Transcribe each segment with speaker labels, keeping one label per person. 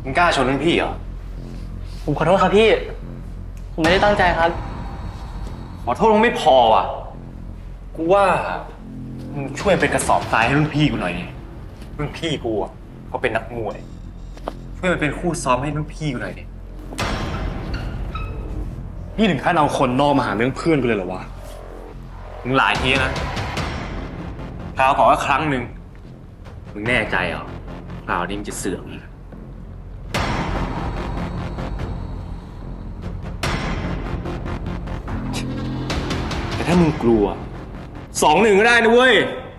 Speaker 1: งกล้าชนรุ่นพี่เหรอ
Speaker 2: ผมขอโทษครับพี่ผมไม่ได้ตั้งใจครับ
Speaker 1: ขอโทษมึงไม่พออ่ะกูว่ามึงช่วยเป็นกระสอบทรายให้รุ่นพี่กูหน่อยดิรุ่นพี่กูอ่ะเขาเป็นนักมวยช่วยมันเป็นคู่ซ้อมให้รุ่นพี่กูหน่อยดิ
Speaker 3: นี่ถึงขั้นเอาคนนอกมาหาเรื่องเพื่อนกูเลยเหรอวะ
Speaker 1: มึงหลายทีนะคราวก่อนก็ครั้งหนึ่งมึงแน่ใจเหรอคราวนี้มึงจะเสื่อมแต่ถ้ามึงกลัว2-1ก็ได้นะเว้ย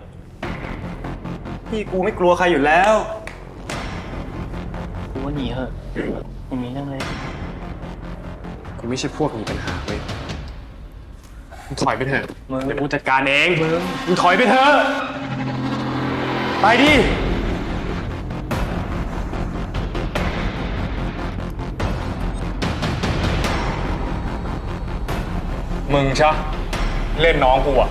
Speaker 1: พี่กูไม่กลัวใครอยู่แล้ว
Speaker 2: กูว่าหนีเถอะอย่างนี้นั่งเลย
Speaker 3: กูไม่ใช่พวกมีปัญหาเว้ยมึงถอยไปเถอะเดี๋ยวกูจัดการเองมึงถอยไปเถอะไปดิมึงชะเล่นน้องกูอ่ะ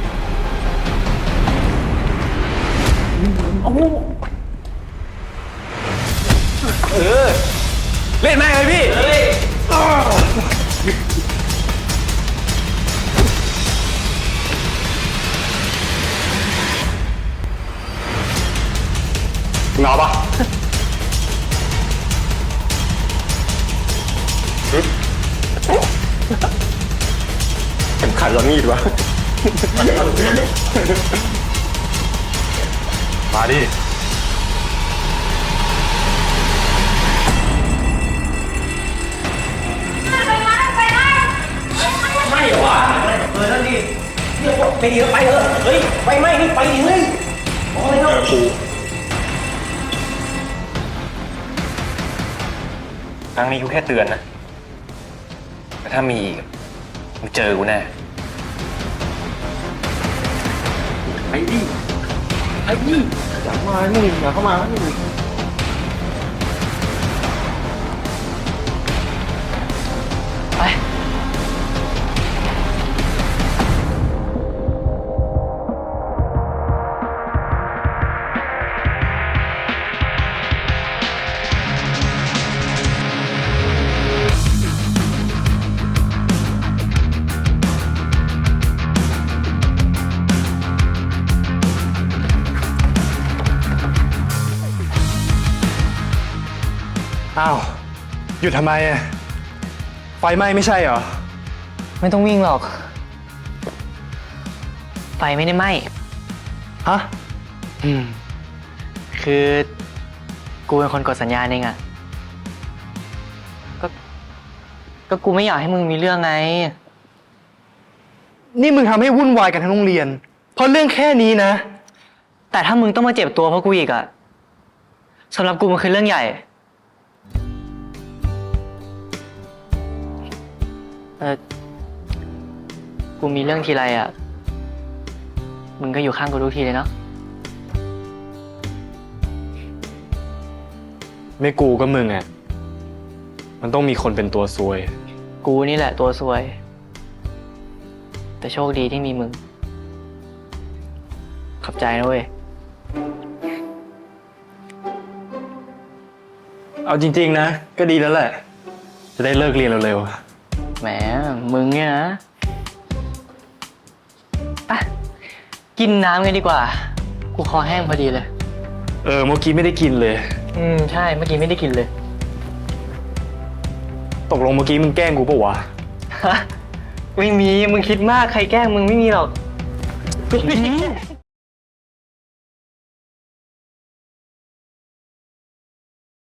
Speaker 1: เล่นแม่งเลยพี่
Speaker 3: มึงเอาปะเข็มขัดเรามีดวะมาดิ
Speaker 4: ไม่หรอนั่นดิเดี๋ยวไปเยอะไปเถอะเฮ้ยไปไม่นี่ไปดิเฮ้ยโอ้ยเถอะ
Speaker 1: ครั้งนี้กูแค่เตือนนะแต่ถ้ามีอีกมึงเจอกูแน่
Speaker 2: ไอ้ดิอย่ามามึงอย่าเข้ามามึงไป
Speaker 3: อ้าวหยุดทำไมอ่ะไฟไหม้ไม่ใช่เหรอ
Speaker 2: ไม่ต้องวิ่งหรอกไฟไม่ได้ไหม้
Speaker 3: ฮะ
Speaker 2: คือกูเป็นคนกดสัญญาณเองอะก็กูไม่อยากให้มึงมีเรื่องไง
Speaker 3: นี่มึงทำให้วุ่นวายกันทั้งโรงเรียนเพราะเรื่องแค่นี้นะ
Speaker 2: แต่ถ้ามึงต้องมาเจ็บตัวเพราะกูอีกอะสำหรับกูมันคือเรื่องใหญ่กูมีเรื่องทีไรอ่ะมึงก็อยู่ข้างกูทุกทีเลยเนาะ
Speaker 3: ไม่กูก็มึงอ่ะมันต้องมีคนเป็นตัวซวย
Speaker 2: กูนี่แหละตัวซวยแต่โชคดีที่มีมึงขอบใจนะเว้ย
Speaker 3: เอาจริงๆนะก็ดีแล้วแหละจะได้เลิกเรียนเร็ว
Speaker 2: แหมมึงเนี่ยนะไปกินน้ำกันดีกว่ากูคอแห้งพอดีเลย
Speaker 3: เมื่อกี้ไม่ได้กินเลย
Speaker 2: ใช่เมื่อกี้ไม่ได้กินเลย
Speaker 3: ตกลงเมื่อกี้มึงแกล้งกูปะวะ
Speaker 2: ไม่มีมึงคิดมากใครแกล้งมึงไม่มีหรอก